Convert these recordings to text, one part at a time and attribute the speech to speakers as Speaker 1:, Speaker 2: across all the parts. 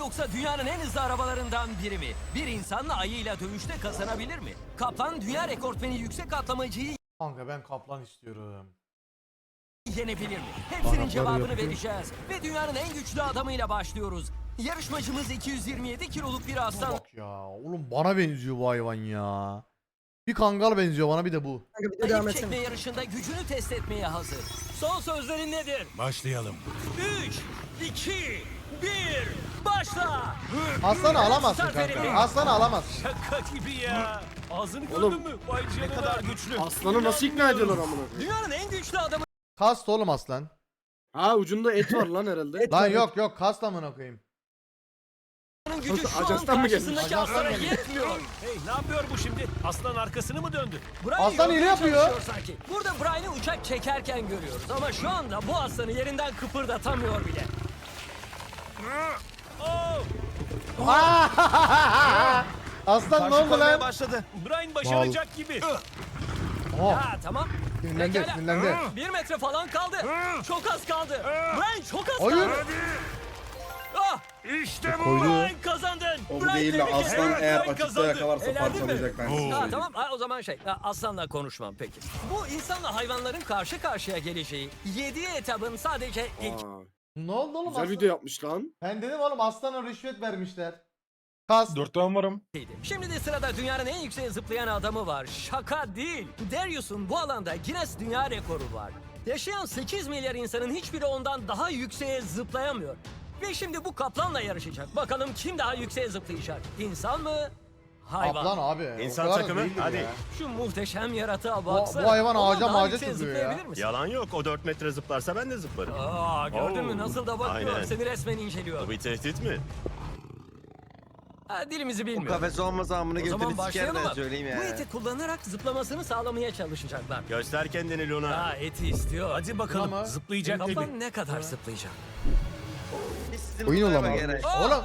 Speaker 1: yoksa dünyanın en hızlı arabalarından biri mi? Bir insanla ayıyla dövüşte kazanabilir mi? Kaplan dünya rekortmeni yüksek atlamacıyı
Speaker 2: Kanka ben kaplan istiyorum.
Speaker 1: yenebilir mi? Hepsinin cevabını vereceğiz. Ve dünyanın en güçlü adamıyla başlıyoruz. Yarışmacımız 227 kiloluk bir
Speaker 2: Buna
Speaker 1: aslan.
Speaker 2: bak ya. Oğlum bana benziyor bu hayvan ya. Bir kangal benziyor bana bir de bu.
Speaker 3: Kanka bir de devam
Speaker 1: İp çekme
Speaker 3: etsene.
Speaker 1: yarışında gücünü test etmeye hazır. Son sözlerin nedir?
Speaker 4: Başlayalım.
Speaker 1: 3, 2, 1, başla!
Speaker 2: Aslanı alamazsın
Speaker 1: Start
Speaker 2: kanka.
Speaker 1: verelim.
Speaker 2: Aslanı alamazsın.
Speaker 4: Şaka gibi ya. Ağzını
Speaker 3: Oğlum,
Speaker 4: gördün mü? Vay canına. Ne kadar güçlü.
Speaker 3: Aslanı nasıl ikna ediyorlar amına koyayım?
Speaker 1: Dünyanın en güçlü adamı
Speaker 2: Kast oğlum aslan.
Speaker 3: Ha ucunda et var lan herhalde.
Speaker 2: Lan yok kast amına koyayım.
Speaker 1: gücü şu an
Speaker 3: Ajans'tan mı gelmiş?
Speaker 1: karşısındaki
Speaker 2: Ajans'tan
Speaker 1: aslana
Speaker 2: gelmiş.
Speaker 1: yetmiyor.
Speaker 4: Hey ne yapıyor bu şimdi? Aslan arkasını mı döndü?
Speaker 1: Brian
Speaker 2: Aslan
Speaker 1: yormaya
Speaker 2: hile yapıyor.
Speaker 1: çalışıyor sanki. Burada Brian'ı uçak çekerken görüyoruz ama şu anda bu aslanı yerinden kıpırdatamıyor bile.
Speaker 4: Oh!
Speaker 2: Aslan ne oldu lan?
Speaker 5: başladı.
Speaker 4: Brian başaracak gibi.
Speaker 2: Oh,
Speaker 1: Ha tamam.
Speaker 2: sinirlendi
Speaker 1: Pekala.
Speaker 2: sinirlendi.
Speaker 1: 1 metre falan kaldı. Çok az kaldı. Brian çok az
Speaker 2: Hayır.
Speaker 1: kaldı. Ah!
Speaker 4: İşte bu.
Speaker 1: Brian kazandın.
Speaker 6: O
Speaker 1: Brian
Speaker 6: değil de
Speaker 1: tebrik
Speaker 6: aslan
Speaker 1: ederim.
Speaker 6: eğer
Speaker 1: Brian
Speaker 6: açıkta
Speaker 1: kazandı.
Speaker 6: yakalarsa
Speaker 1: Eğlendin mi?
Speaker 6: parçalayacak ben size
Speaker 1: Ha
Speaker 6: söyleyeyim.
Speaker 1: tamam o zaman aslanla konuşmam peki. Bu insanla hayvanların karşı karşıya geleceği 7 etabın sadece ilk
Speaker 3: Aa,
Speaker 2: Ne oldu oğlum
Speaker 3: güzel
Speaker 2: aslan?
Speaker 3: video yapmış lan.
Speaker 2: Ben dedim oğlum aslana rüşvet vermişler. Kast.
Speaker 5: 4 tane varım.
Speaker 1: idi. Şimdi de sırada dünyanın en yüksek zıplayan adamı var. Şaka değil. Darius'un bu alanda Guinness Dünya Rekoru var. Yaşayan 8 milyar insanın hiçbiri ondan daha yükseğe zıplayamıyor. Ve şimdi bu kaplanla yarışacak. Bakalım kim daha yükseğe zıplayacak? İnsan mı? Hayvan.
Speaker 2: Kaplan abi. o
Speaker 5: İnsan
Speaker 2: kadar da
Speaker 5: takımı,
Speaker 2: değildir
Speaker 5: hadi.
Speaker 2: ya.
Speaker 1: Şu muhteşem yaratığa
Speaker 2: Bu
Speaker 1: baksana.
Speaker 2: hayvan
Speaker 1: Ondan
Speaker 2: ağaca
Speaker 1: daha
Speaker 2: mağaca
Speaker 1: yükseğe
Speaker 2: çıkıyor ya.
Speaker 1: zıplayabilir misin?
Speaker 5: Yalan yok. O 4 metre zıplarsa ben de zıplarım.
Speaker 1: Gördün mü
Speaker 5: Oo.
Speaker 1: nasıl da bakıyor.
Speaker 5: Aynen.
Speaker 1: Seni resmen inceliyor.
Speaker 5: Bu bir tehdit mi?
Speaker 1: Dilimizi
Speaker 7: Bu
Speaker 1: bilmiyor.
Speaker 7: kafes olmasa amına
Speaker 1: O zaman
Speaker 7: götünü
Speaker 1: başlayalım
Speaker 7: siker
Speaker 1: mı?
Speaker 7: ben söyleyeyim
Speaker 1: Bu
Speaker 7: ya.
Speaker 1: eti kullanarak zıplamasını sağlamaya çalışacaklar.
Speaker 5: Göster kendini Luna.
Speaker 1: Eti istiyor.
Speaker 4: Hadi bakalım.
Speaker 2: Ama-
Speaker 4: Zıplayacak gibi.
Speaker 1: Kaplan ne kadar zıplayacak?
Speaker 7: Oyun
Speaker 2: olamaz. Oğlum.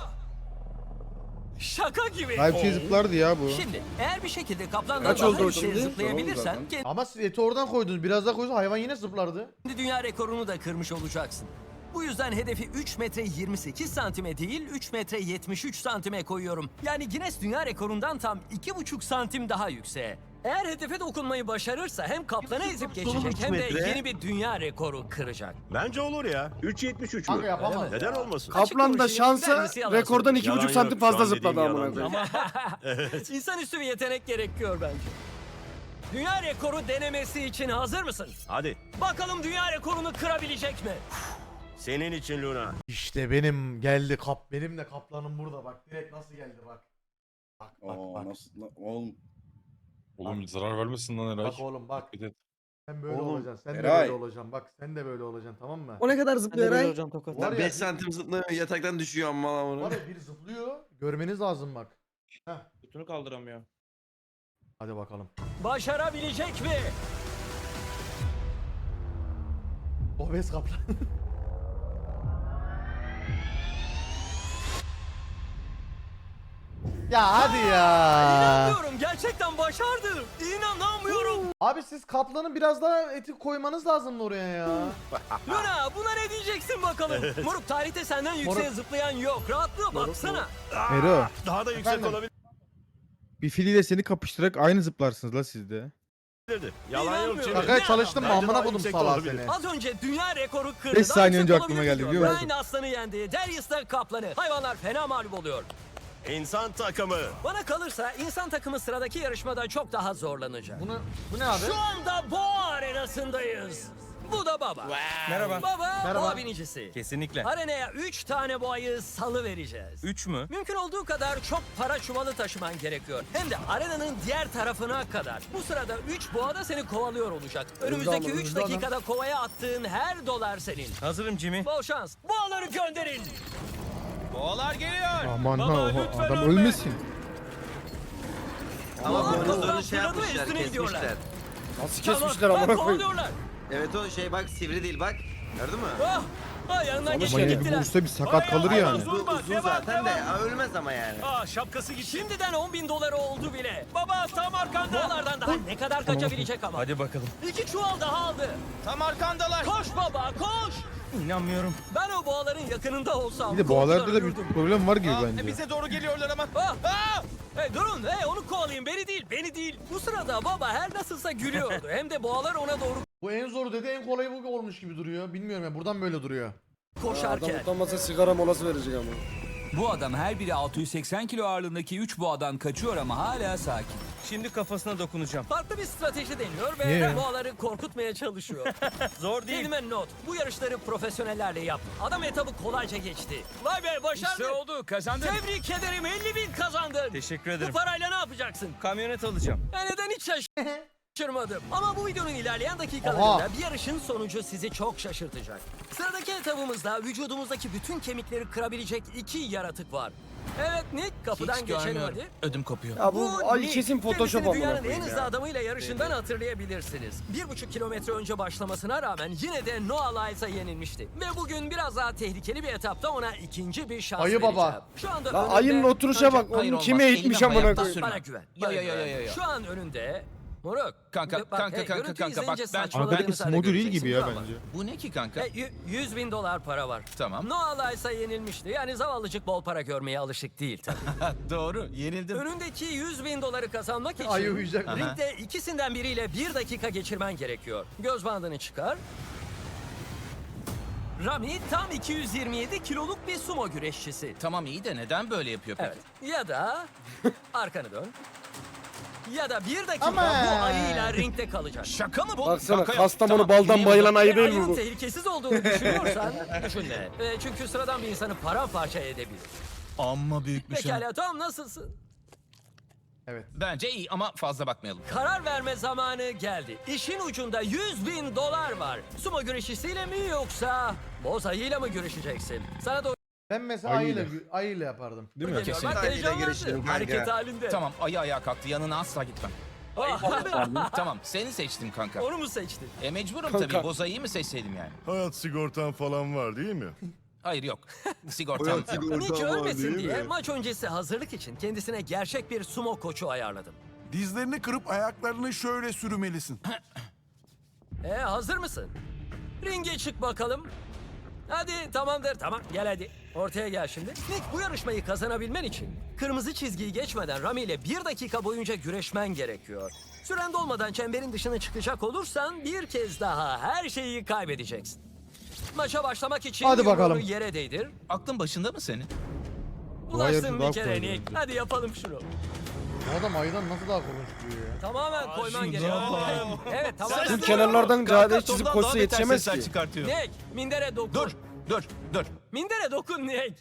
Speaker 1: Şaka gibi.
Speaker 8: Hayır bir şey zıplardı ya bu.
Speaker 1: Şimdi eğer bir şekilde kaplandan
Speaker 3: Kaç
Speaker 1: daha
Speaker 3: oldu o
Speaker 1: yükseğe
Speaker 3: şimdi?
Speaker 1: zıplayabilirsen
Speaker 6: Tamam
Speaker 2: Ama siz eti oradan koydunuz. Biraz daha koysa hayvan yine zıplardı.
Speaker 1: kendi dünya rekorunu da kırmış olacaksın. Bu yüzden hedefi 3 metre 28 santime değil 3 metre 73 santime koyuyorum. Yani Guinness Dünya Rekoru'ndan tam 2,5 santim daha yükseğe. Eğer hedefe dokunmayı başarırsa hem kaplanı ezip geçecek hem de
Speaker 7: metre.
Speaker 1: yeni bir dünya rekoru kıracak.
Speaker 5: Bence olur ya. 3.73
Speaker 2: Kanka
Speaker 5: mü?
Speaker 2: yapamaz.
Speaker 5: Neden olmasın?
Speaker 3: Kaplan da
Speaker 1: konuşayım,
Speaker 3: şansa
Speaker 1: kendisi yalan
Speaker 3: rekordan
Speaker 1: söylüyor.
Speaker 3: 2,5
Speaker 5: Yalan
Speaker 3: santim
Speaker 5: yok, şu
Speaker 3: fazla
Speaker 5: an
Speaker 3: zıpladı
Speaker 5: dediğin
Speaker 3: amına
Speaker 5: yalan.
Speaker 3: koyayım.
Speaker 1: İnsanüstü bir yetenek gerekiyor bence. Dünya rekoru denemesi için hazır mısın?
Speaker 5: Hadi.
Speaker 1: Bakalım dünya rekorunu kırabilecek mi?
Speaker 5: Senin için Luna.
Speaker 2: İşte benim geldi benim de kaplanım burada bak. Direkt nasıl geldi bak. Bak
Speaker 6: Oo, nasıl lan oğlum.
Speaker 8: Oğlum zarar vermesin lan Eray.
Speaker 2: Bak oğlum bak.
Speaker 8: Bir de-
Speaker 2: Sen böyle
Speaker 6: Oğlum,
Speaker 2: olacaksın. Sen de
Speaker 6: Eray.
Speaker 2: böyle olacaksın. Bak sen de böyle olacaksın tamam mı?
Speaker 3: O ne kadar zıplıyor Eray?
Speaker 2: Var
Speaker 7: Lan
Speaker 2: ya,
Speaker 7: 5 santim zıplamıyor yataktan düşüyor amma lan
Speaker 2: Var
Speaker 7: bunu.
Speaker 2: ya bir zıplıyor. Görmeniz lazım bak. Heh.
Speaker 8: Götünü kaldıramıyor.
Speaker 2: Hadi bakalım.
Speaker 1: Başarabilecek mi?
Speaker 2: Obez kaplan. Ya hadi ya.
Speaker 1: İnanmıyorum gerçekten başardı. İnanamıyorum.
Speaker 2: Abi siz kaplanın biraz daha eti koymanız lazım oraya ya.
Speaker 1: Luna buna ne diyeceksin bakalım? Moruk tarihte senden yükseğe
Speaker 2: Moruk.
Speaker 1: zıplayan yok. Rahatlığa baksana.
Speaker 8: Ero
Speaker 5: Daha da yüksek
Speaker 2: Efendim?
Speaker 5: olabilirdi.
Speaker 8: bir filiyle seni kapıştırarak aynı zıplarsınız la siz de.
Speaker 5: Yalan yok
Speaker 1: İnanmıyorum.
Speaker 5: Cemil.
Speaker 2: Şakaya çalıştım mı
Speaker 5: Bence
Speaker 2: amına
Speaker 5: daha
Speaker 2: kodum
Speaker 5: yüksek
Speaker 2: salağı
Speaker 5: olabilir.
Speaker 2: seni.
Speaker 1: Az önce dünya rekoru kırdı.
Speaker 8: 5
Speaker 1: Daha
Speaker 8: saniye
Speaker 1: yüksek
Speaker 8: önce aklıma
Speaker 1: olabilir
Speaker 8: geldi,
Speaker 1: diyor.
Speaker 8: biliyor musun?
Speaker 1: Brian aslanı yendi. Darius da kaplanı. Hayvanlar fena mağlup oluyor.
Speaker 5: İnsan takımı.
Speaker 1: Bana kalırsa insan takımı sıradaki yarışmada çok daha zorlanacak.
Speaker 2: Bu ne abi?
Speaker 1: Şu anda boğa arenasındayız. Bu da baba.
Speaker 9: Merhaba.
Speaker 1: Baba
Speaker 2: Merhaba.
Speaker 1: boğa binicisi.
Speaker 9: Kesinlikle.
Speaker 1: Arenaya 3 tane boğayı salı vereceğiz.
Speaker 9: 3 mü?
Speaker 1: Mümkün olduğu kadar çok para çuvalı taşıman gerekiyor. Hem de arenanın diğer tarafına kadar. Bu sırada 3 boğa da seni kovalıyor olacak. Önümüzdeki 3
Speaker 2: hızlı adam.
Speaker 1: dakikada kovaya attığın her dolar senin.
Speaker 9: Hazırım Jimmy.
Speaker 1: Bol şans. Boğaları gönderin.
Speaker 9: Boğalar geliyor.
Speaker 8: Aman
Speaker 1: Baba,
Speaker 8: ha
Speaker 1: lütfen
Speaker 8: adam
Speaker 1: ölme.
Speaker 8: ölmesin.
Speaker 7: Ama
Speaker 1: Boğalar
Speaker 7: boynuzlarını
Speaker 1: kapıdan
Speaker 7: şey
Speaker 1: fırladı ve
Speaker 7: yapmışlar
Speaker 1: üstüne gidiyorlar.
Speaker 7: kesmişler.
Speaker 3: Nasıl
Speaker 1: Tamam,
Speaker 3: kesmişler
Speaker 1: bak,
Speaker 3: amına koyayım?
Speaker 1: kovalıyorlar.
Speaker 7: Evet o şey bak sivri değil bak. Gördün mü?
Speaker 1: Yanından
Speaker 8: Ama
Speaker 1: geçip
Speaker 8: yine bir
Speaker 1: gittiler.
Speaker 8: vursa bir sakat kalır yani.
Speaker 7: Bu uzun zaten de ölmez ama yani.
Speaker 4: Şapkası gitti.
Speaker 1: Şimdiden 10.000 doları oldu bile. Baba tam arkanda. Boğalardan daha ne kadar kaçabilecek ama.
Speaker 9: Hadi bakalım.
Speaker 1: 2 çuval daha aldı.
Speaker 9: Tam arkandalar.
Speaker 1: Koş baba koş.
Speaker 9: İnanmıyorum.
Speaker 1: Ben o boğaların yakınında olsam...
Speaker 8: Bir de boğalarda da bir
Speaker 1: korkudan
Speaker 8: problem var gibi
Speaker 9: Aa,
Speaker 8: bence.
Speaker 9: bize doğru geliyorlar ama.
Speaker 1: Ah! Hey durun, hey onu kovalayın, beni değil, beni değil. Bu sırada baba her nasılsa gülüyordu. Hem de boğalar ona doğru
Speaker 2: Bu en zoru dedi, en kolayı bu olmuş gibi duruyor. Bilmiyorum ya, buradan böyle duruyor.
Speaker 3: Adam
Speaker 1: koşarken.
Speaker 3: utanmasa sigara molası verecek ama.
Speaker 6: Bu adam her biri 680 kilo ağırlığındaki 3 boğadan kaçıyor ama hala sakin.
Speaker 9: Şimdi kafasına dokunacağım.
Speaker 1: Farklı bir strateji deniyor ve
Speaker 8: Niye ya?
Speaker 1: boğaları korkutmaya çalışıyor.
Speaker 9: Zor değil.
Speaker 1: Kelime not, bu yarışları profesyonellerle yap. Adam etabı kolayca geçti. Vay be başardı.
Speaker 6: İşte oldu, kazandın.
Speaker 1: Tebrik ederim, 50.000 kazandın.
Speaker 9: Teşekkür
Speaker 1: Bu
Speaker 9: ederim.
Speaker 1: parayla ne yapacaksın?
Speaker 9: Kamyonet alacağım.
Speaker 1: Ben neden hiç şaşırmadım. Ama bu videonun ilerleyen dakikalarında
Speaker 2: Oha.
Speaker 1: bir yarışın sonucu sizi çok şaşırtacak. Sıradaki etabımızda vücudumuzdaki bütün kemikleri kırabilecek 2 yaratık var. Evet Nick, kapıdan geçelim hadi.
Speaker 6: Ödüm kopuyor.
Speaker 3: Ya bu ay
Speaker 1: Nick.
Speaker 3: kesin Photoshop
Speaker 1: Kendisini
Speaker 3: amına
Speaker 1: dünyanın en
Speaker 3: koyayım
Speaker 1: hızlı
Speaker 3: ya.
Speaker 1: adamıyla yarışından hatırlayabilirsiniz. 1,5 kilometre önce başlamasına rağmen yine de Noah Lyles'a yenilmişti. Ve bugün biraz daha tehlikeli bir etapta ona ikinci bir şans
Speaker 2: Ayı
Speaker 1: vereceğim.
Speaker 2: baba.
Speaker 1: Şu anda
Speaker 3: Lan
Speaker 1: önünde...
Speaker 3: ayının oturuşa bak.
Speaker 6: Hayır,
Speaker 3: Onu
Speaker 6: olmaz.
Speaker 3: kime eğitmiş
Speaker 6: Elini
Speaker 3: amına
Speaker 6: ayakta
Speaker 3: koyayım.
Speaker 6: sürme.
Speaker 1: Bana güven.
Speaker 6: Ya, ya, ya, ya, ya.
Speaker 1: Şu an önünde... Moruk.
Speaker 6: Kanka,
Speaker 1: Bak,
Speaker 6: kanka,
Speaker 1: hey,
Speaker 6: kanka,
Speaker 1: görüntüyü
Speaker 6: kanka, bak,
Speaker 1: izleyince
Speaker 6: ben-
Speaker 1: saçmaladığını
Speaker 8: Arkadaki
Speaker 1: sadece
Speaker 8: smogül değil
Speaker 1: göreceksin,
Speaker 8: gibi ya
Speaker 1: ama.
Speaker 8: bence.
Speaker 6: Bu ne ki kanka?
Speaker 1: $100.000 para var.
Speaker 6: Tamam.
Speaker 1: Noah Lyles'a yenilmişti. Yani zavallıcık bol para görmeye alışık değil tabii.
Speaker 6: Doğru, yenildim.
Speaker 1: Önündeki $100.000 kazanmak için
Speaker 2: Ayı uyuyacak.
Speaker 6: Aha.
Speaker 1: ringde ikisinden biriyle 1 dakika geçirmen gerekiyor. Göz bandını çıkar. Rami tam 227 kiloluk bir sumo güreşçisi.
Speaker 6: Tamam iyi de neden böyle yapıyor peki?
Speaker 1: Evet. Ya da arkanı dön. Ya da 1 dakika
Speaker 2: Ama.
Speaker 1: bu ayıyla ringde kalacak.
Speaker 6: Şaka mı bu?
Speaker 3: Baksana
Speaker 6: Kanka,
Speaker 3: Kastamonu
Speaker 6: tamam,
Speaker 3: baldan
Speaker 6: dinleyeyim
Speaker 3: bayılan
Speaker 6: bunu.
Speaker 3: ayı
Speaker 1: Ve
Speaker 3: değil mi
Speaker 1: ayının
Speaker 3: bu?
Speaker 1: tehlikesiz olduğunu düşünüyorsan düşünme. Çünkü sıradan bir insanı paramparça edebilir.
Speaker 6: Amma büyükmüş ha.
Speaker 1: Pekala Tom nasılsın?
Speaker 2: Evet.
Speaker 6: Bence iyi ama fazla bakmayalım.
Speaker 1: Karar verme zamanı geldi. İşin ucunda $100.000 var. Sumo güreşçisiyle mi yoksa boz ayıyla mı güreşeceksin? Sana doğru
Speaker 2: Ben mesela
Speaker 8: Ayıyla.
Speaker 2: ayıyla yapardım.
Speaker 6: Değil mi?
Speaker 1: geliyor.
Speaker 6: Kesin.
Speaker 1: Bak
Speaker 7: Ayıyla
Speaker 1: heyecanlandı.
Speaker 7: güreşirim kanka.
Speaker 1: Hareket halinde.
Speaker 6: Tamam ayı ayağa kalktı yanına asla gitmem.
Speaker 1: Ah,
Speaker 6: Tamam seni seçtim kanka.
Speaker 1: onu mu seçtin?
Speaker 6: Mecburum
Speaker 3: Kanka.
Speaker 6: tabii boz ayıyı mı seçseydim yani?
Speaker 5: Hayat sigortan falan var değil mi?
Speaker 6: Hayır yok. Sigortam yok.
Speaker 1: Nick ölmesin diye maç öncesi hazırlık için kendisine gerçek bir sumo koçu ayarladım.
Speaker 4: Dizlerini kırıp ayaklarını şöyle sürmelisin.
Speaker 1: Hazır mısın? Ringe çık bakalım. Hadi tamamdır tamam gel hadi. Ortaya gel şimdi. Nick bu yarışmayı kazanabilmen için kırmızı çizgiyi geçmeden Rami ile 1 dakika boyunca güreşmen gerekiyor. Süren dolmadan çemberin dışına çıkacak olursan bir kez daha her şeyi kaybedeceksin. Maça başlamak için
Speaker 2: Hadi
Speaker 1: yumruğunu
Speaker 2: bakalım.
Speaker 1: yere değdir.
Speaker 6: Aklın başında mı senin?
Speaker 1: Ulaştın
Speaker 8: daha
Speaker 1: bir kere
Speaker 8: kolay
Speaker 1: Nick.
Speaker 8: bence.
Speaker 1: Hadi yapalım şunu.
Speaker 2: Bu adam ayıdan nasıl daha korkunç duruyor ya?
Speaker 1: Tamamen koyman gerekiyor. Evet tamamen.
Speaker 3: Bu kenarlardan
Speaker 6: Kanka,
Speaker 3: cadde çizip
Speaker 6: toplam
Speaker 3: koşsa
Speaker 6: daha beter
Speaker 3: yetişemez
Speaker 6: sesler
Speaker 3: ki.
Speaker 6: çıkartıyor.
Speaker 1: Nick mindere dokun.
Speaker 6: Dur.
Speaker 1: Mindere dokun Nick.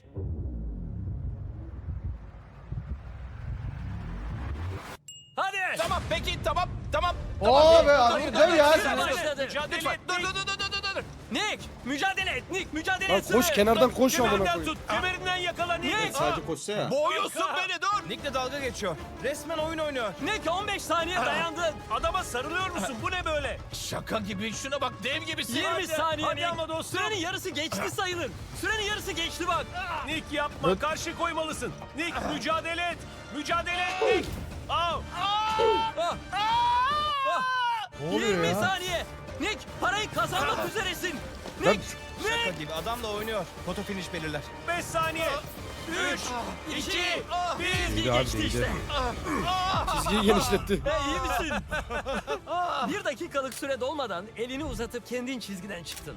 Speaker 1: Hadi.
Speaker 6: Tamam peki tamam.
Speaker 2: Oo be abi döv ya.
Speaker 1: Süre başladı.
Speaker 6: Lütfen dur.
Speaker 1: Nick mücadele et. Nick mücadele
Speaker 3: Lan
Speaker 1: et.
Speaker 3: koş kenardan koş amına
Speaker 4: Kemerinden
Speaker 3: koyayım.
Speaker 4: tut. Kemerinden yakala Nick.
Speaker 7: Sadece koşsa ya.
Speaker 6: Boğuyorsun beni dur.
Speaker 9: Nick'le dalga geçiyor. Resmen oyun oynuyor.
Speaker 1: Nick 15 saniye dayandın.
Speaker 4: Adama sarılıyor musun? Bu ne böyle?
Speaker 6: Şaka gibi şuna bak dev gibisin.
Speaker 1: 20 saniye
Speaker 4: hadi
Speaker 1: Nick.
Speaker 4: ama dostum.
Speaker 1: Sürenin yarısı geçti sayılır. Sürenin yarısı geçti bak.
Speaker 4: Nick yapma. Karşı koymalısın. Nick mücadele et. Mücadele et Nick. Au.
Speaker 1: Ah. Ah.
Speaker 2: Ne oluyor
Speaker 1: 20
Speaker 2: ya?
Speaker 1: saniye. Nick parayı kazanmak üzeresin. Nick.
Speaker 9: Şaka
Speaker 1: Nick.
Speaker 9: gibi adamla oynuyor. Foto finish belirler.
Speaker 4: 5 saniye.
Speaker 1: 3, 2, 1.
Speaker 8: İyi abi,
Speaker 1: Geçti
Speaker 8: iyi.
Speaker 1: işte.
Speaker 3: Çizgiyi genişletti.
Speaker 1: İyi misin? 1 dakikalık süre dolmadan elini uzatıp kendin çizgiden çıktın.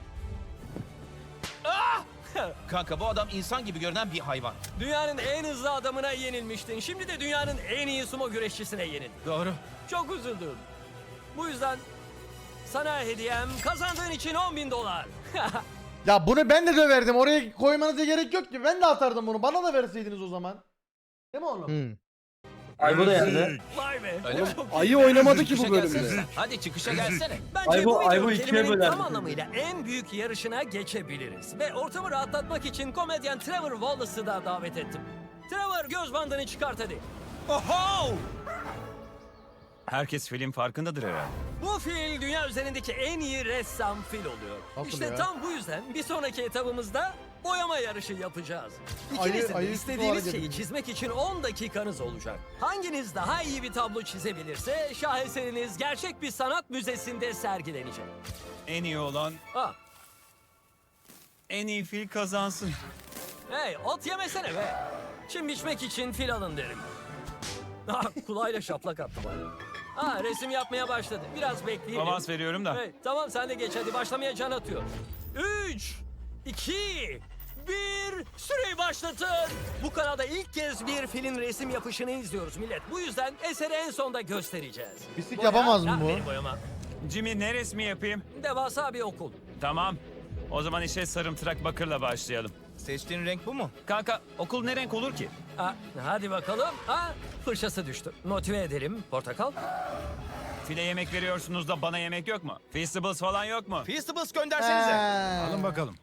Speaker 6: Kanka bu adam insan gibi görünen bir hayvan.
Speaker 1: Dünyanın en hızlı adamına yenilmiştin. Şimdi de dünyanın en iyi sumo güreşçisine yenildin.
Speaker 6: Doğru.
Speaker 1: Çok üzüldüm. Bu yüzden sana hediyem kazandığın için $10.000.
Speaker 2: Ya bunu ben de döverdim. Oraya koymanıza gerek yok ki. Ben de atardım bunu. Bana da verseydiniz o zaman. Değil mi oğlum?
Speaker 8: Hı.
Speaker 1: Vay be.
Speaker 6: Öyle mi?
Speaker 1: Çok
Speaker 3: Ayı oynamadı ki
Speaker 6: Çıkışa
Speaker 3: bu bölümde.
Speaker 6: gelsene sen. Hadi çıkışa gelsene.
Speaker 1: Bence bu video kelimenin tam anlamıyla en büyük yarışına geçebiliriz. Ve ortamı rahatlatmak için komedyen Trevor Wallace'ı da davet ettim. Trevor göz bandını çıkart hadi.
Speaker 9: Oho! Herkes film farkındadır herhalde.
Speaker 1: Bu fil dünya üzerindeki en iyi ressam fil oluyor.
Speaker 2: Nasıl
Speaker 1: işte
Speaker 2: ya?
Speaker 1: tam bu yüzden bir sonraki etabımızda boyama yarışı yapacağız.
Speaker 2: Ayı-
Speaker 1: İkinizin de
Speaker 2: ayı
Speaker 1: istediğiniz
Speaker 2: tutu
Speaker 1: şeyi
Speaker 2: hareketi.
Speaker 1: çizmek için 10 dakikanız olacak. Hanginiz daha iyi bir tablo çizebilirse şaheseriniz gerçek bir sanat müzesinde sergilenecek.
Speaker 9: En iyi olan
Speaker 1: Ah,
Speaker 9: En iyi fil kazansın.
Speaker 1: Hey, ot yemesene be. Çim biçmek için fil alın derim. Ah, kulağıyla şaplak attı bana. Resim yapmaya başladı. Biraz bekleyelim.
Speaker 9: Avans veriyorum da.
Speaker 1: Hey, tamam sen de geç hadi. Başlamaya can atıyor. 3, 2, 1, süreyi başlatın. Bu kanalda ilk kez bir filin resim yapışını izliyoruz millet. Bu yüzden eseri en sonda göstereceğiz.
Speaker 2: Pislik
Speaker 1: Boya-
Speaker 2: yapamaz mı
Speaker 1: Ha,
Speaker 2: bu?
Speaker 1: benim boyama.
Speaker 9: Jimmy ne resmi yapayım?
Speaker 1: Devasa bir okul.
Speaker 9: Tamam. O zaman işe sarımtırak bakırla başlayalım.
Speaker 7: Seçtiğin renk bu mu?
Speaker 9: Kanka okul ne renk olur ki?
Speaker 1: Hadi bakalım. Fırçası düştü. Motive edelim. Portakal.
Speaker 9: File yemek veriyorsunuz da bana yemek yok mu? Feastables falan yok mu?
Speaker 7: Feastables
Speaker 2: He.
Speaker 7: göndersenize.
Speaker 9: bakalım.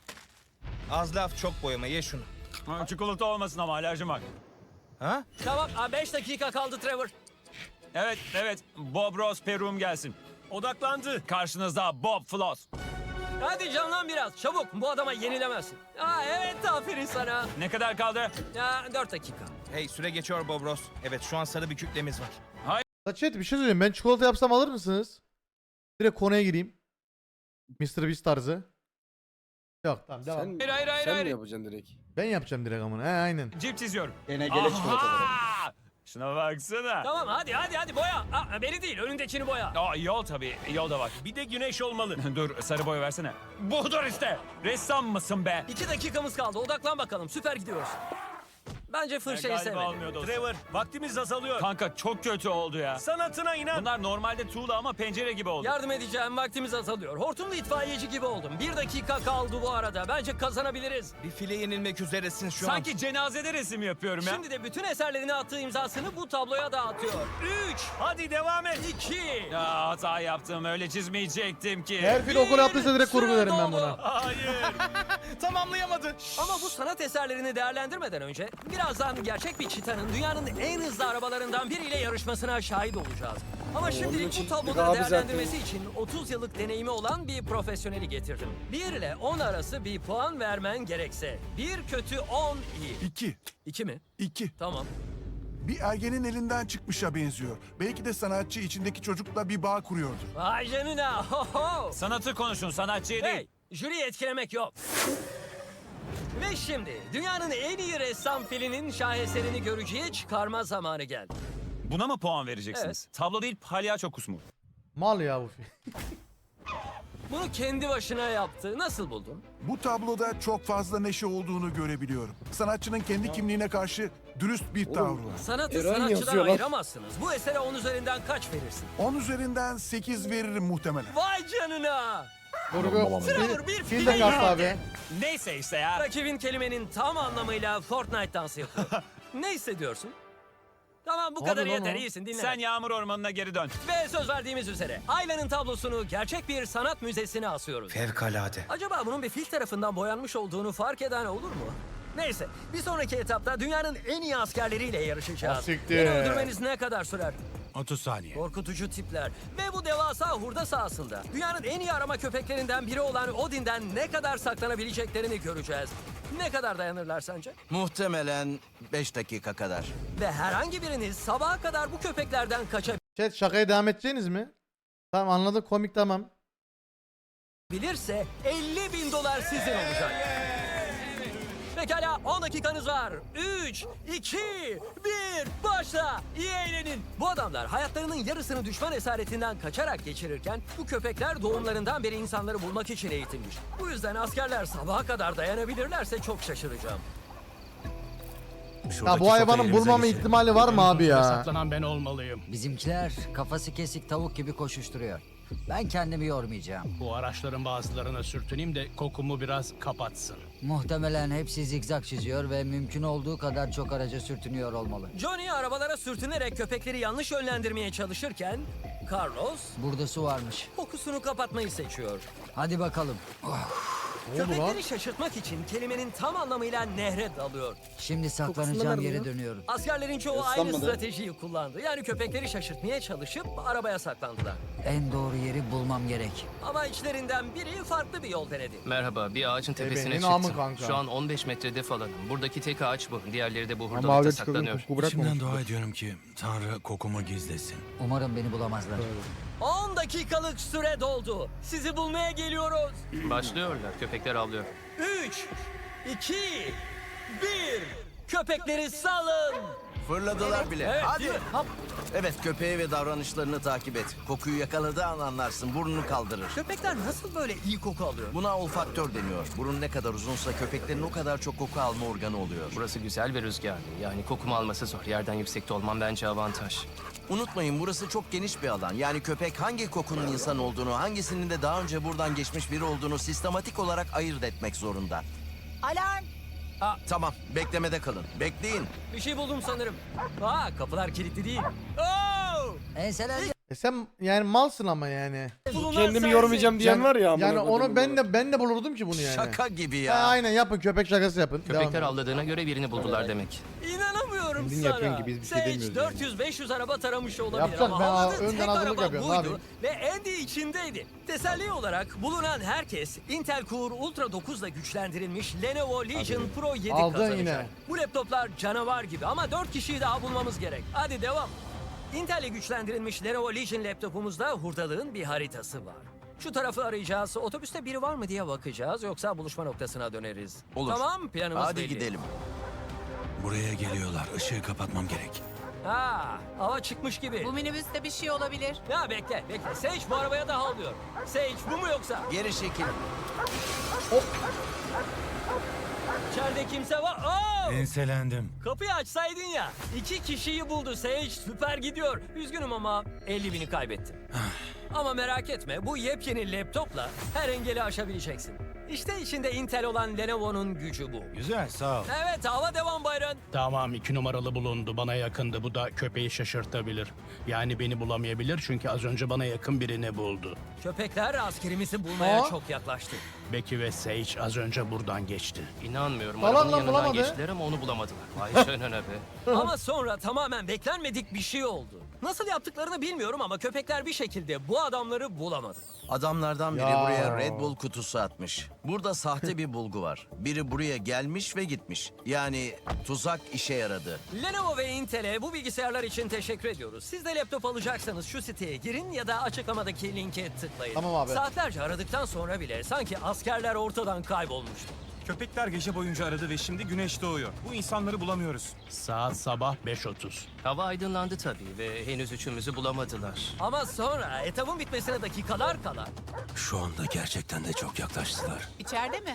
Speaker 7: Az laf çok boyama ye şunu.
Speaker 9: Çikolata olmasın ama alerjim var.
Speaker 7: Ha?
Speaker 1: Tamam 5 dakika kaldı Trevor.
Speaker 9: Evet. Bob Ross Perum gelsin.
Speaker 4: Odaklandı.
Speaker 9: Karşınızda Bob Floss.
Speaker 1: Hadi canlan biraz. Çabuk. Bu adama yenilemezsin. Evet aferin sana.
Speaker 9: Ne kadar kaldı?
Speaker 1: 4 dakika.
Speaker 7: Hey süre geçiyor Bob Ross. Evet şu an sarı bir kütlemiz var.
Speaker 2: La chat bir şey söyleyeyim. Ben çikolata yapsam alır mısınız? Direkt konuya gireyim. Mr. Beast tarzı. Yok tamam devam.
Speaker 3: Sen,
Speaker 9: Hayır.
Speaker 3: sen mi yapacaksın direkt?
Speaker 2: Ben yapacağım direkt amına. He aynen.
Speaker 9: Cip çiziyorum.
Speaker 3: Gene
Speaker 9: Aha! Şuna baksana.
Speaker 1: Tamam hadi boya. Beni değil önündekini boya.
Speaker 9: Yol tabii. Yol da var.
Speaker 4: Bir de güneş olmalı.
Speaker 9: Dur sarı boy versene. Budur işte. Ressam mısın be?
Speaker 1: 2 dakikamız kaldı. Odaklan bakalım. Süper gidiyoruz. Bence fırçayı
Speaker 9: Galiba
Speaker 1: sevmedim.
Speaker 9: olmuyor dostum.
Speaker 4: Trevor, vaktimiz azalıyor.
Speaker 9: Kanka çok kötü oldu ya.
Speaker 4: Sanatına inan.
Speaker 9: Bunlar normalde tuğla ama pencere gibi oldu.
Speaker 1: Yardım edeceğim. Vaktimiz azalıyor. Hortumlu itfaiyeci gibi oldum. 1 dakika kaldı bu arada. Bence kazanabiliriz.
Speaker 7: Bir file yenilmek üzeresin şu an.
Speaker 9: Sanki cenazede resim yapıyorum ya.
Speaker 1: Şimdi de bütün eserlerini attığı imzasını bu tabloya dağıtıyor. 3,
Speaker 4: Hadi devam et.
Speaker 1: 2,
Speaker 9: Ya hata yaptım. Öyle çizmeyecektim ki.
Speaker 2: Her fil okul yaptıysa direkt kurgu
Speaker 1: süre
Speaker 2: derim ben
Speaker 1: doldu.
Speaker 2: buna.
Speaker 4: Hayır.
Speaker 7: Tamamlayamadı.
Speaker 1: Ama bu sanat eserlerini değerlendirmeden önce birazdan gerçek bir çitanın dünyanın en hızlı arabalarından biriyle yarışmasına şahit olacağız. Ama şimdilik
Speaker 3: için
Speaker 1: bu
Speaker 3: bir
Speaker 1: tabloları
Speaker 3: abi zaten-
Speaker 1: değerlendirmesi için 30 yıllık deneyimi olan bir profesyoneli getirdim. 1 ile 10 arası bir puan vermen gerekse. 1 kötü 10 iyi.
Speaker 10: 2.
Speaker 1: 2 mi?
Speaker 10: 2.
Speaker 1: Tamam.
Speaker 10: Bir ergenin elinden çıkmışa benziyor. Belki de sanatçı içindeki çocukla bir bağ kuruyordu.
Speaker 1: Vay canına. Ho ho.
Speaker 9: Sanatı konuşun, sanatçıyı değil.
Speaker 1: Hey, jüriyi etkilemek yok. Ve şimdi dünyanın en iyi ressam filinin şaheserini görücüye çıkarma zamanı geldi.
Speaker 9: Buna mı puan vereceksiniz? Tablo değil, palyaço kusmu.
Speaker 2: Mal ya bu fil.
Speaker 1: Bunu kendi başına yaptı. Nasıl buldun?
Speaker 10: Bu tabloda çok fazla neşe olduğunu görebiliyorum. Sanatçının kendi kimliğine karşı dürüst bir tavrı var.
Speaker 1: Sanatı
Speaker 3: Eren
Speaker 1: sanatçıdan
Speaker 3: yazıyor lan.
Speaker 1: ayıramazsınız. Bu esere 10 üzerinden kaç verirsin?
Speaker 10: 10 üzerinden 8 veririm muhtemelen.
Speaker 1: Vay canına!
Speaker 2: Kurgu.
Speaker 1: Trevor bir
Speaker 2: Fil de
Speaker 1: fil
Speaker 2: kastı abi.
Speaker 9: Neyse işte ya.
Speaker 1: Rakibin kelimenin tam anlamıyla Fortnite dansı yapıyor. Ne hissediyorsun? Tamam bu
Speaker 2: Abi
Speaker 1: kadar
Speaker 2: lan
Speaker 1: yeter
Speaker 2: o.
Speaker 1: iyisin dinle.
Speaker 9: Sen yağmur ormanına geri dön.
Speaker 1: Ve söz verdiğimiz üzere Ayla'nın tablosunu gerçek bir sanat müzesine asıyoruz.
Speaker 7: Fevkalade.
Speaker 1: Acaba bunun bir fil tarafından boyanmış olduğunu fark eden olur mu? Neyse bir sonraki etapta dünyanın en iyi askerleriyle yarışacağız.
Speaker 2: Asiktir.
Speaker 1: Beni öldürmeniz ne kadar sürer?
Speaker 9: 30 saniye.
Speaker 1: Korkutucu tipler. Ve bu devasa hurda sahasında dünyanın en iyi arama köpeklerinden biri olan Odin'den ne kadar saklanabileceklerini göreceğiz. Ne kadar dayanırlar sence?
Speaker 7: Muhtemelen 5 dakika kadar.
Speaker 1: Ve herhangi biriniz sabaha kadar bu köpeklerden
Speaker 2: Chat şakaya devam edeceğiniz mi? Tamam anladık komik tamam.
Speaker 1: kaçabilirse $50.000 sizin olacak. Pekala 10 dakikanız var. 3, 2, 1 başla. İyi eğlenin. Bu adamlar hayatlarının yarısını düşman esaretinden kaçarak geçirirken bu köpekler doğumlarından beri insanları bulmak için eğitilmiş. Bu yüzden askerler sabaha kadar dayanabilirlerse çok şaşıracağım.
Speaker 2: Ya bu hayvanın bulmama ihtimali var mı abi ya?
Speaker 4: Saklanan ben olmalıyım.
Speaker 11: Bizimkiler kafası kesik tavuk gibi koşuşturuyor. Ben kendimi yormayacağım.
Speaker 4: Bu araçların bazılarına sürtüneyim de kokumu biraz kapatsın.
Speaker 11: Muhtemelen hepsi zigzag çiziyor ve mümkün olduğu kadar çok araca sürtünüyor olmalı.
Speaker 1: Johnny arabalara sürtünerek köpekleri yanlış yönlendirmeye çalışırken Carlos
Speaker 11: Burada su varmış.
Speaker 1: kokusunu kapatmayı seçiyor.
Speaker 11: Hadi bakalım.
Speaker 2: Ne oldu lan?
Speaker 1: Köpekleri şaşırtmak için kelimenin tam anlamıyla nehre dalıyor.
Speaker 11: Şimdi
Speaker 3: Kokusundan
Speaker 11: saklanacağım
Speaker 3: nerede
Speaker 11: yere
Speaker 3: ya?
Speaker 11: dönüyorum.
Speaker 1: Askerlerin çoğu aynı
Speaker 3: Islanmadı.
Speaker 1: stratejiyi kullandı. Yani köpekleri şaşırtmaya çalışıp arabaya saklandılar.
Speaker 11: En doğru yeri bulmam gerek.
Speaker 1: Ama içlerinden biri farklı bir yol denedi.
Speaker 12: Merhaba, bir ağacın tepesine
Speaker 2: benim
Speaker 12: çıktım.
Speaker 2: namı kanka.
Speaker 12: Şu an 15 metrede falanım. Buradaki tek ağaç bu. Diğerleri de bu
Speaker 8: Ama
Speaker 12: hurdalıkta
Speaker 8: abi çıkalım
Speaker 12: saklanıyor.
Speaker 8: koku bırakmamış.
Speaker 9: ediyorum ki Tanrı kokumu gizlesin.
Speaker 11: Umarım beni bulamazlar.
Speaker 1: 10 dakikalık süre doldu. Sizi bulmaya geliyoruz.
Speaker 12: Başlıyorlar. Köpekler avlıyor.
Speaker 1: 3, 2, 1. Köpekleri salın.
Speaker 7: Fırladılar bile.
Speaker 1: Evet,
Speaker 7: Hadi.
Speaker 1: değil mi?
Speaker 7: Hop. Evet, köpeği ve davranışlarını takip et. Kokuyu yakaladığı an anlarsın. Burnunu kaldırır.
Speaker 1: Köpekler nasıl böyle iyi koku alıyor?
Speaker 7: Buna olfaktör deniyor. Burun ne kadar uzunsa köpeklerin o kadar çok koku alma organı oluyor.
Speaker 12: Burası güzel ve rüzgarlı. Yani kokumu alması zor. Yerden yüksekte olmam bence avantaj.
Speaker 7: Unutmayın, burası çok geniş bir alan. Yani köpek hangi kokunun insan olduğunu, hangisinin de daha önce buradan geçmiş biri olduğunu sistematik olarak ayırt etmek zorunda.
Speaker 11: Alarm!
Speaker 7: Tamam, beklemede kalın. Bekleyin.
Speaker 1: Bir şey buldum sanırım. Kapılar kilitli değil. Oo!
Speaker 11: Enselendi.
Speaker 2: Sen yani malsın ama yani.
Speaker 1: Bulunan
Speaker 3: Kendimi
Speaker 1: sensin.
Speaker 3: yormayacağım diyen var ya. amına
Speaker 2: Yani
Speaker 3: koyduğum
Speaker 2: onu ben de bulurdum ki bunu yani.
Speaker 7: Şaka gibi
Speaker 2: Ha,
Speaker 7: ya.
Speaker 2: aynen yapın köpek şakası yapın. Devam
Speaker 12: Köpekler
Speaker 2: edin.
Speaker 12: avladığına göre birini buldular demek.
Speaker 1: İnanamıyorum
Speaker 8: Kendin
Speaker 1: sana.
Speaker 8: yapıyorsun ki biz bir şey
Speaker 1: Sage
Speaker 8: demiyoruz yani.
Speaker 1: 400-500 araba taramış olabilir
Speaker 2: Yapacak,
Speaker 1: ama
Speaker 2: ben
Speaker 1: havladığı
Speaker 2: önden
Speaker 1: tek
Speaker 2: hazırlık
Speaker 1: araba
Speaker 2: yapıyorum, ne
Speaker 1: buydu
Speaker 2: yapayım?
Speaker 1: ve Andy içindeydi. Teselli olarak bulunan herkes Intel Core Ultra 9 ile güçlendirilmiş Lenovo Legion Pro 7
Speaker 2: Aldın
Speaker 1: kazanacak.
Speaker 2: yine.
Speaker 1: Bu laptoplar canavar gibi ama 4 kişiyi daha bulmamız gerek. Hadi devam. Intel ile güçlendirilmiş Lenovo Legion laptopumuzda hurdalığın bir haritası var. Şu tarafı arayacağız. Otobüste biri var mı diye bakacağız. Yoksa buluşma noktasına döneriz.
Speaker 7: Olur.
Speaker 1: Tamam, planımız
Speaker 7: Hadi
Speaker 1: belli.
Speaker 7: gidelim.
Speaker 6: Buraya geliyorlar. Işığı kapatmam gerek.
Speaker 1: Hava çıkmış gibi.
Speaker 11: Bu minibüste bir şey olabilir.
Speaker 1: Ya bekle. Sage bu arabaya da havlıyor. Sage bu mu yoksa?
Speaker 7: Geri çekil.
Speaker 1: İçeride kimse var. Oo!
Speaker 6: Enselendim.
Speaker 1: Kapıyı açsaydın ya. 2 kişiyi buldu Sage. Süper gidiyor. Üzgünüm ama 50.000'i kaybettim. Ama merak etme, bu yepyeni laptopla her engeli aşabileceksin. İşte içinde Intel olan Lenovo'nun gücü bu.
Speaker 6: Güzel, sağ ol.
Speaker 1: Evet, hava devam Byron.
Speaker 4: Tamam 2 numaralı bulundu. Bana yakındı. Bu da köpeği şaşırtabilir. Yani beni bulamayabilir çünkü az önce bana yakın birini buldu.
Speaker 1: Köpekler askerimizi bulmaya
Speaker 2: Aa.
Speaker 1: çok yaklaştı.
Speaker 4: Becky ve Sage az önce buradan geçti.
Speaker 12: İnanmıyorum.
Speaker 2: Falan
Speaker 12: Arabanın
Speaker 2: lan,
Speaker 12: yanından
Speaker 2: bulamadı.
Speaker 12: geçtiler ama onu bulamadılar. Vay canına be.
Speaker 1: Ama sonra tamamen beklenmedik bir şey oldu. Nasıl yaptıklarını bilmiyorum ama köpekler bir şekilde bu adamları bulamadı.
Speaker 7: Adamlardan biri
Speaker 2: Ya.
Speaker 7: buraya Red Bull kutusu atmış. Burada sahte bir bulgu var. Biri buraya gelmiş ve gitmiş. Yani tuzak işe yaradı.
Speaker 1: Lenovo ve Intel'e bu bilgisayarlar için teşekkür ediyoruz. Siz de laptop alacaksanız şu siteye girin ya da açıklamadaki linke tıklayın.
Speaker 2: Tamam abi.
Speaker 1: Saatlerce aradıktan sonra bile sanki askerler ortadan kaybolmuştu.
Speaker 4: Köpekler gece boyunca aradı ve şimdi güneş doğuyor. Bu insanları bulamıyoruz. Saat sabah 5:30.
Speaker 12: Hava aydınlandı tabii ve henüz üçümüzü bulamadılar.
Speaker 1: Ama sonra etabın bitmesine dakikalar kala
Speaker 6: Şu anda gerçekten de çok yaklaştılar.
Speaker 11: İçeride mi?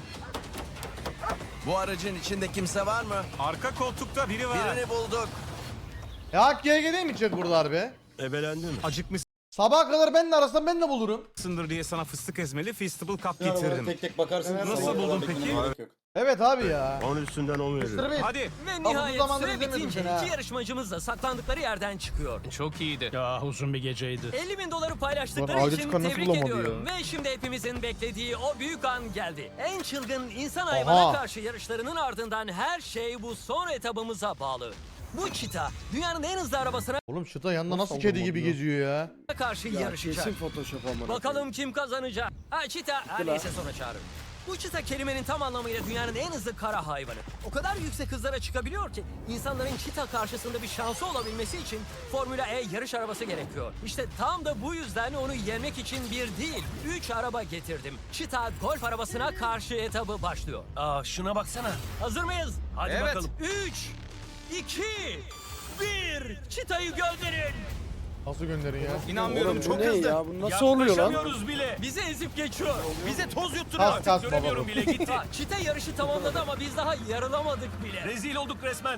Speaker 7: Bu aracın içinde kimse var mı?
Speaker 4: Arka koltukta biri var.
Speaker 7: Birini bulduk.
Speaker 2: Ya hak GG değil mi çık burada harbi?
Speaker 4: Ebelendim. Acıkmışsındır
Speaker 2: Sabaha kadar benimle arasam ben de bulurum.
Speaker 4: diye sana fıstık ezmeli Feastable Cup
Speaker 3: Yani böyle
Speaker 4: getirdim.
Speaker 3: tek tek bakarsın.
Speaker 2: Evet,
Speaker 3: Nasıl
Speaker 4: nasıl buldun
Speaker 3: beklemeye
Speaker 4: peki?
Speaker 3: gerek yok.
Speaker 2: Evet abi ya.
Speaker 5: 10 üstünden 10 veririm.
Speaker 2: Mr. Beast.
Speaker 4: Hadi.
Speaker 1: ve
Speaker 2: bu
Speaker 1: nihayet
Speaker 2: zamandır
Speaker 1: süre
Speaker 2: izlemedim
Speaker 1: bitince
Speaker 2: seni ha.
Speaker 1: iki yarışmacımız da saklandıkları yerden çıkıyor.
Speaker 12: Çok iyiydi.
Speaker 4: Ya uzun bir geceydi.
Speaker 1: 50.000 doları paylaştıkları
Speaker 8: Ulan
Speaker 1: için
Speaker 8: Audit nasıl
Speaker 1: tebrik
Speaker 8: bulamadı
Speaker 1: ediyorum.
Speaker 8: ya?
Speaker 1: Ve şimdi hepimizin beklediği o büyük an geldi. En çılgın insan
Speaker 2: Oha.
Speaker 1: hayvana karşı yarışlarının ardından her şey bu son etabımıza bağlı. Bu çita dünyanın en hızlı arabasına
Speaker 2: Oğlum şuta yanında nasıl
Speaker 8: Nasıl
Speaker 2: kedi
Speaker 8: oldu
Speaker 2: gibi
Speaker 8: ya?
Speaker 2: geziyor ya.
Speaker 1: karşı
Speaker 3: Ya
Speaker 1: yarışacak.
Speaker 3: kesin Photoshop amına.
Speaker 1: Bakalım kim kazanacak? Çita, neyse sonra çağırırım. Bu çita kelimenin tam anlamıyla dünyanın en hızlı kara hayvanı. O kadar yüksek hızlara çıkabiliyor ki insanların çita karşısında bir şansı olabilmesi için Formula E yarış arabası gerekiyor. İşte tam da bu yüzden onu yenmek için bir değil, 3 araba getirdim. Çita golf arabasına karşı etabı başlıyor.
Speaker 4: Şuna baksana.
Speaker 1: Hazır mıyız?
Speaker 4: Hadi
Speaker 7: Evet.
Speaker 4: bakalım.
Speaker 1: 3, 2, 1, çitayı gönderin.
Speaker 2: Nasıl gönderin ya?
Speaker 7: İnanmıyorum,
Speaker 3: Oğlum bu
Speaker 7: çok
Speaker 3: ne
Speaker 7: hızlı.
Speaker 3: ya? Bu nasıl oluyor lan?
Speaker 4: Yaklaşamıyoruz bile.
Speaker 1: Bizi ezip geçiyor.
Speaker 7: Bize toz yutturuyor.
Speaker 2: Kas kas baba
Speaker 4: Göremiyorum
Speaker 2: bu.
Speaker 4: bile gitti.
Speaker 1: Çita yarışı tamamladı ama biz daha yarılamadık bile.
Speaker 4: Rezil olduk resmen.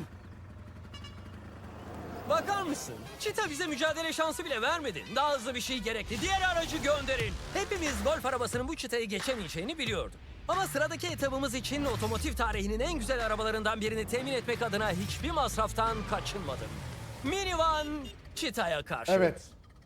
Speaker 1: Bakar mısın? Çita bize mücadele şansı bile vermedi. Daha hızlı bir şey gerekli. Diğer aracı gönderin. Hepimiz golf arabasının bu çitayı geçemeyeceğini biliyorduk. Ama sıradaki etabımız için otomotiv tarihinin en güzel arabalarından birini temin etmek adına hiçbir masraftan kaçınmadım. Minivan çitaya karşı.
Speaker 2: Evet.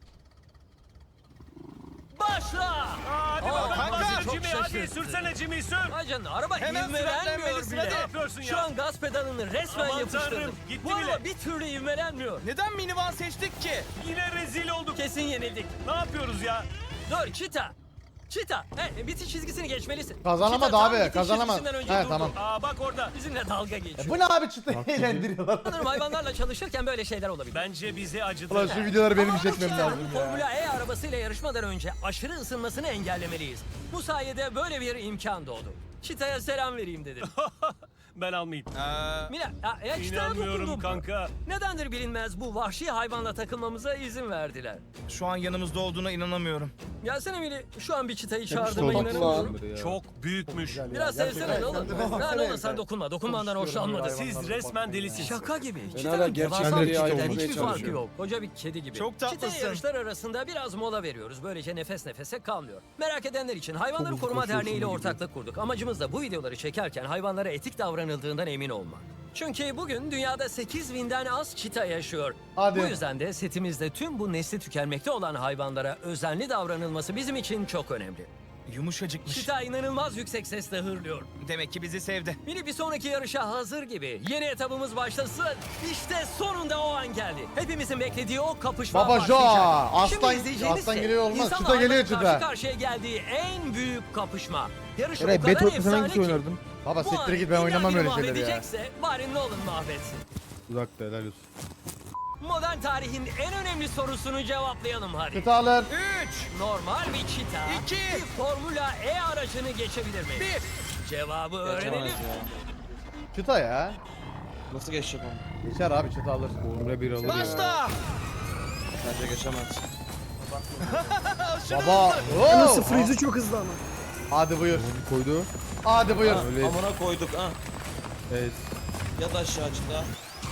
Speaker 1: Başla!
Speaker 4: Hadi bakalım.
Speaker 1: kanka,
Speaker 4: Hadi
Speaker 1: çok
Speaker 4: Jimmy, hadi
Speaker 1: şaşırttı.
Speaker 4: sürsene Jimmy sür.
Speaker 1: Vay canına, araba
Speaker 7: Hemen
Speaker 1: ivme vermiyor
Speaker 7: frenlenmelisin,
Speaker 1: bile.
Speaker 7: hadi.
Speaker 4: Ne yapıyorsun
Speaker 1: Şu
Speaker 4: ya?
Speaker 1: an gaz pedalını resmen
Speaker 4: Aman
Speaker 1: yapıştırdım.
Speaker 4: tanrım, gitti
Speaker 1: Bu araba
Speaker 4: bile.
Speaker 1: bir türlü ivmelenmiyor.
Speaker 7: Neden minivan seçtik ki?
Speaker 4: Yine rezil olduk.
Speaker 1: Kesin yenildik.
Speaker 4: Ne yapıyoruz ya?
Speaker 1: Dur Çita. Çita, bitiş çizgisini geçmelisin.
Speaker 2: Kazanamadı
Speaker 1: Çita tam
Speaker 2: abi,
Speaker 1: bitiş
Speaker 2: kazanamadı.
Speaker 1: çizgisinden önce
Speaker 2: He,
Speaker 1: durdu.
Speaker 2: tamam.
Speaker 9: Aa bak orada.
Speaker 1: Bizimle dalga geçiyor.
Speaker 2: Bu ne abi çıtayı eğlendiriyorlar.
Speaker 1: Sanırım hayvanlarla çalışırken böyle şeyler olabilir.
Speaker 9: Bence bizi acıdı.
Speaker 2: Ulan şu videoları benim
Speaker 1: Ama bu
Speaker 2: çekmem
Speaker 1: Çita'nın
Speaker 2: lazım ya.
Speaker 1: Formula E arabasıyla yarışmadan önce aşırı ısınmasını engellemeliyiz. Bu sayede böyle bir imkan doğdu. Çita'ya selam vereyim dedim.
Speaker 9: Ben almayayım.
Speaker 1: Mila, Çita'ya
Speaker 9: İnanmıyorum
Speaker 1: dokundum.
Speaker 9: kanka.
Speaker 1: Nedendir bilinmez bu vahşi hayvanla takılmamıza izin verdiler.
Speaker 8: Şu an yanımızda olduğuna inanamıyorum.
Speaker 1: Gelsene Mili, şu an bir Çita'yı çağırdığıma
Speaker 8: olduk.
Speaker 1: inanamıyorum.
Speaker 9: Çok büyükmüş.
Speaker 1: Biraz sevsene ne olur. Ne olur sen dokunma, dokunmandan hoşlanmadım.
Speaker 9: Siz resmen delisiniz.
Speaker 1: Şaka gibi.
Speaker 3: hala
Speaker 1: Çita'nın
Speaker 3: gerçek
Speaker 1: devasa bir
Speaker 3: bir
Speaker 1: çiteden
Speaker 3: hayvan
Speaker 1: hiçbir
Speaker 3: olmaya
Speaker 1: farkı
Speaker 3: çalışıyorum.
Speaker 1: yok. Koca bir kedi gibi.
Speaker 8: Çok tatlısın.
Speaker 1: Çita yarışlar arasında biraz mola veriyoruz. Böylece nefes nefese kalmıyor. Merak edenler için Hayvanları Koruma Derneği ile ortaklık kurduk. Amacımız da bu videoları çekerken hayvanlara etik davranıldığından emin olmak. Çünkü bugün dünyada 8.000'den az çita yaşıyor.
Speaker 2: Hadi.
Speaker 1: Bu yüzden de setimizde tüm bu nesli tükenmekte olan hayvanlara özenli davranılması bizim için çok önemli.
Speaker 8: Yumuşacıkmış.
Speaker 1: Çita inanılmaz yüksek sesle hırlıyor.
Speaker 8: Demek ki bizi sevdi.
Speaker 1: Mini bir sonraki yarışa hazır gibi. Yeni etabımız başlasın. İşte sonunda o an geldi. Hepimizin beklediği o kapışma
Speaker 2: Baba Jo,
Speaker 1: başlayacak.
Speaker 2: aslan-
Speaker 1: Şimdi izleyeceğiniz
Speaker 2: aslan
Speaker 1: şey,
Speaker 2: geliyor olmaz.
Speaker 1: insanla
Speaker 2: Çita geliyor
Speaker 1: hayvanın
Speaker 2: Çita.
Speaker 1: Karşı karşıya geldiği en büyük kapışma. Yarış o
Speaker 8: Eray
Speaker 1: kadar
Speaker 8: Battle sen
Speaker 1: efsane
Speaker 8: hangisi
Speaker 1: ki.
Speaker 8: oynardın?
Speaker 2: Baba
Speaker 1: Bu
Speaker 2: siktir
Speaker 1: an
Speaker 2: git, ben oynamam
Speaker 1: illa
Speaker 2: öyle
Speaker 1: biri
Speaker 2: şeyleri ya.
Speaker 1: mahvedecekse bari Nolan mahvetsin.
Speaker 8: Uzakta helal olsun.
Speaker 1: Modern tarihin en önemli sorusunu cevaplayalım hadi.
Speaker 2: Çita alır.
Speaker 1: Normal bir çita bir Formula E aracını geçebilir mi? Cevabı öğrenelim.
Speaker 2: Çita ya.
Speaker 3: Nasıl geçecek onu?
Speaker 2: Geçer abi, çita alır.
Speaker 8: Formula 1 alır ya.
Speaker 3: Bence geçemez.
Speaker 2: Baba. Oo.
Speaker 3: Freeze'i çok hızlı ama.
Speaker 2: Hadi buyur.
Speaker 8: Onu koydu.
Speaker 2: Hadi buyur.
Speaker 8: Öyle.
Speaker 3: Amına koyduk ha.
Speaker 8: Evet.
Speaker 3: Yat aşağı çıta.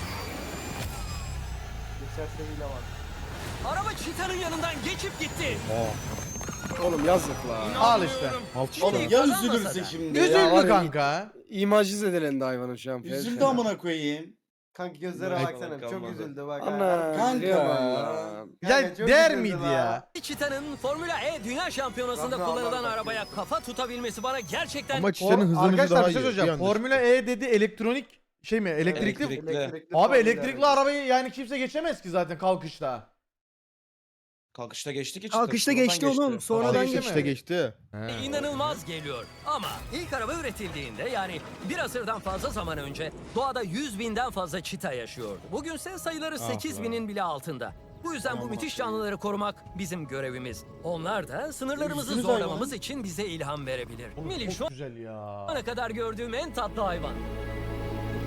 Speaker 1: Araba çitanın yanından geçip gitti.
Speaker 3: Oğlum yazık la.
Speaker 2: Al işte.
Speaker 1: Oğlum ya üzülürse
Speaker 3: şimdi.
Speaker 2: Üzüldü kanka.
Speaker 3: İmajı zedelendi hayvanın şu an.
Speaker 13: Üzüldü amına koyayım.
Speaker 3: Kanka gözlere
Speaker 13: baksana, çok üzüldü
Speaker 3: bak. Ana.
Speaker 13: Kanka.
Speaker 2: Ya der miydi ya?
Speaker 1: Çita'nın Formula E Dünya Şampiyonası'nda kullanılan arabaya kafa tutabilmesi bana gerçekten
Speaker 8: Ama çitenin hızlı
Speaker 2: Arkadaşlar
Speaker 8: daha
Speaker 2: bir şey
Speaker 8: iyi.
Speaker 2: söyleyeceğim.
Speaker 8: yandır.
Speaker 2: Formula E dedi, elektronik şey mi? Elektrikli. Abi elektrikli arabayı yani kimse geçemez ki zaten kalkışta.
Speaker 3: Kalkışta geçti ki.
Speaker 13: Kalkışta geçti oğlum. Sonradan
Speaker 2: geçti mi?
Speaker 8: İşte geçti.
Speaker 1: inanılmaz geliyor. Ama ilk araba üretildiğinde yani bir asırdan fazla zaman önce doğada 100.000'den fazla çita yaşıyordu. Bugünse sayıları 8.000'in bile altında. Bu yüzden bu müthiş canlıları korumak bizim görevimiz. Onlar da sınırlarımızı
Speaker 2: Üzdünüz
Speaker 1: zorlamamız için bize ilham verebilir. Mili şu
Speaker 2: Çok güzel ya.
Speaker 1: ana kadar gördüğüm en tatlı hayvan.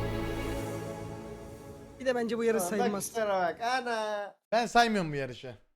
Speaker 13: Bir de bence bu yarış sayılmaz.
Speaker 2: Ben saymıyorum bu yarışı.